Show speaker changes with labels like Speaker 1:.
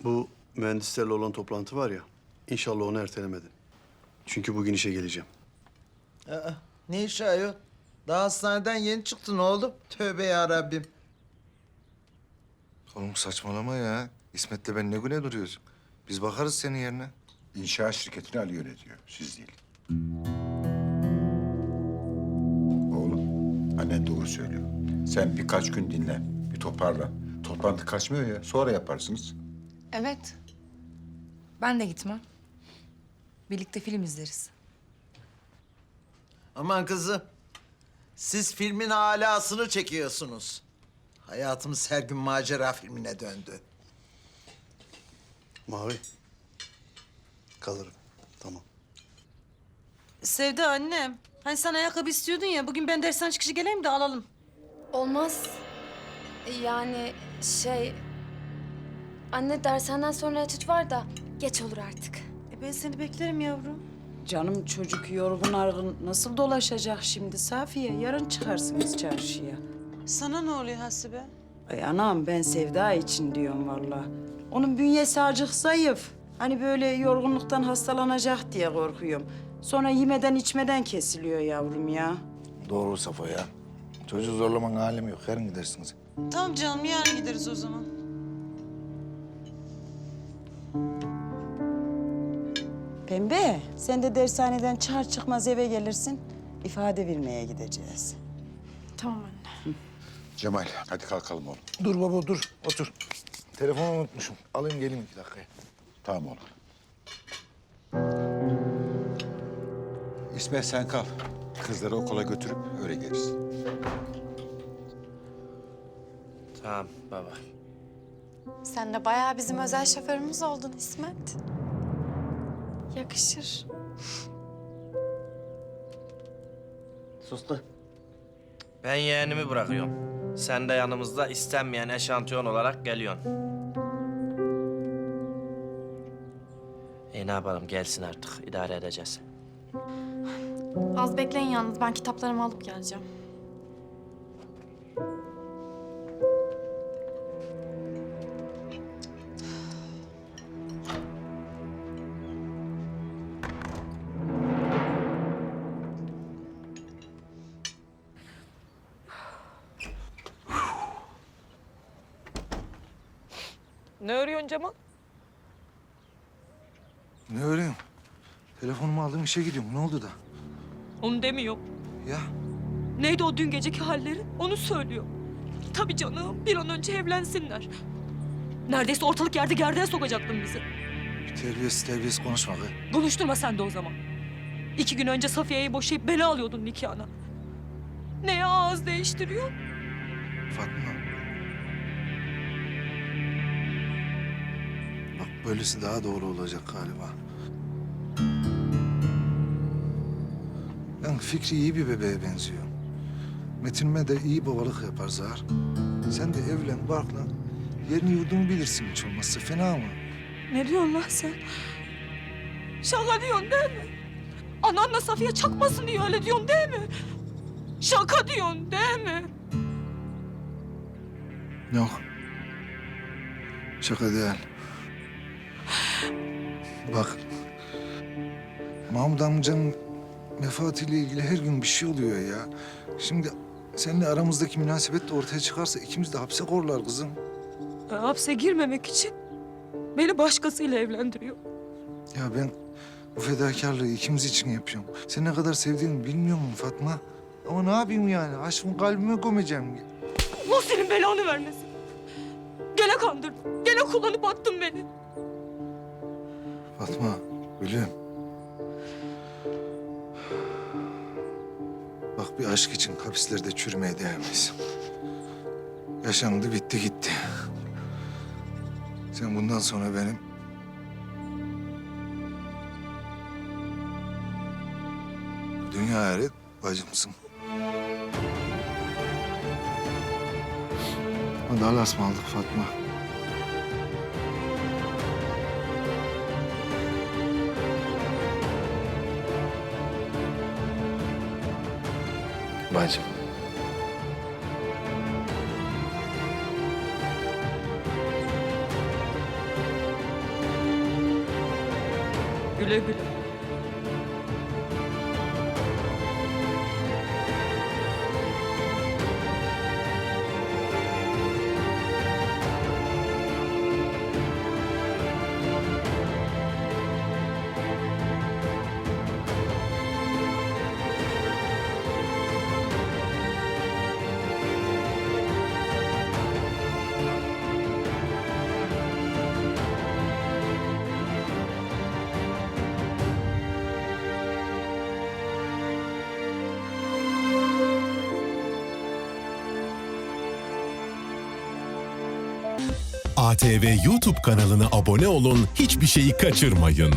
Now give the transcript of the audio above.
Speaker 1: Bu mühendislerle olan toplantı var ya, inşallah onu ertelemedin. Çünkü bugün işe geleceğim.
Speaker 2: Aa, ne iş ayol? Daha hastaneden yeni çıktın oğlum. Tövbe ya Rabbim.
Speaker 3: Oğlum saçmalama ya. İsmet'le ben ne güne duruyoruz? Biz bakarız senin yerine.
Speaker 4: İnşaat şirketini Ali yönetiyor, siz değil. Oğlum, annen doğru söylüyor. Sen birkaç gün dinlen, bir toparlan. Toplantı kaçmıyor ya, sonra yaparsınız.
Speaker 5: Evet. Ben de gitmem. Birlikte film izleriz.
Speaker 2: Aman kızım. Siz filmin alasını çekiyorsunuz. Hayatımız her gün macera filmine döndü.
Speaker 1: Mavi. Kalırım. Tamam.
Speaker 6: Sevda annem. Hani sen ayakkabı istiyordun ya. Bugün ben dersten çıkışı geleyim de alalım.
Speaker 7: Olmaz. Yani Anne dershaneden sonra etüt var da geç olur artık.
Speaker 6: Ben seni beklerim yavrum.
Speaker 8: Canım çocuk yorgun argın nasıl dolaşacak şimdi Safiye? Yarın çıkarsınız çarşıya.
Speaker 6: Sana ne oluyor Hasibe?
Speaker 8: Ay anam ben Sevda için diyorum vallahi. Onun bünyesi acık zayıf. Hani böyle yorgunluktan hastalanacak diye korkuyorum. Sonra yemeden içmeden kesiliyor yavrum ya.
Speaker 3: Doğru Safo ya. Çocuğu zorlamanın alemi yok. Yarın gidersiniz.
Speaker 6: Tamam canım yarın gideriz o zaman.
Speaker 8: Pembe sen de dershaneden çıkar çıkmaz eve gelirsin. İfade vermeye gideceğiz.
Speaker 7: Tamam anne.
Speaker 4: Cemal, hadi kalkalım oğlum.
Speaker 3: Dur baba dur. Otur. Telefonu unutmuşum. Alayım geleyim 2 dakikaya.
Speaker 4: Tamam oğlum. İsmet sen kal. Kızları okula götürüp öyle geliriz.
Speaker 9: Tamam baba.
Speaker 7: Sen de bayağı bizim özel şoförümüz oldun İsmet. Yakışır.
Speaker 9: Sustu. Ben yeğenimi bırakıyorum. Sen de yanımızda istenmeyen eşantiyon olarak geliyorsun. Ne yapalım gelsin artık idare edeceğiz.
Speaker 7: Az bekleyin yalnız ben kitaplarımı alıp geleceğim.
Speaker 6: Ne örüyorsun Cemal?
Speaker 3: Ne öreyim? Telefonumu aldım işe gidiyorum. Ne oldu da?
Speaker 6: Onu demiyor.
Speaker 3: Ya
Speaker 6: Neydi o dün geceki halleri? Onu söylüyor. Tabii canım bir an önce evlensinler. Neredeyse ortalık yerde gerdeğe sokacaktın bizi.
Speaker 3: terbiyesiz konuşma kız.
Speaker 6: Konuşturma sen de o zaman. 2 gün önce Safiye'yi boşayıp beni alıyordun nikahına. Neye ağız değiştiriyor?
Speaker 3: Fatma. Bak böylesi daha doğru olacak galiba. Yani Fikri iyi bir bebeğe benziyor. Metin'ime de iyi babalık yapar Zahar. Sen de evlen, barklan. Yerini yurdunu bilirsin hiç olmazsa. Fena mı?
Speaker 6: Ne diyorsun lan sen? Şaka diyorsun değil mi? Ananla Safiye çakmasın diye öyle diyorsun değil mi? Şaka diyorsun değil mi?
Speaker 3: Yok. Şaka değil. Bak. Mahmut amcanın vefatıyla ilgili her gün bir şey oluyor ya. Şimdi seninle aramızdaki münasebet de ortaya çıkarsa ikimiz de hapse korlar kızım.
Speaker 6: Hapse girmemek için beni başkasıyla evlendiriyor.
Speaker 3: Ya ben bu fedakarlığı ikimiz için yapıyorum. Seni ne kadar sevdiğimi bilmiyor musun Fatma? Ama ne yapayım yani? Aşkımı kalbime gömeceğim.
Speaker 6: Allah senin belanı vermesin. Gene kandırdın, gene kullanıp attın beni.
Speaker 3: Fatma, gülüm. Bak bir aşk için hapislerde çürümeye değmez. Yaşandı, bitti, gitti. Sen bundan sonra benim... dünya ahiret bacımsın. Hadi Allah'a ısmarladık Fatma. Bacım.
Speaker 6: Güle güle.
Speaker 10: ATV YouTube kanalına abone olun, hiçbir şeyi kaçırmayın.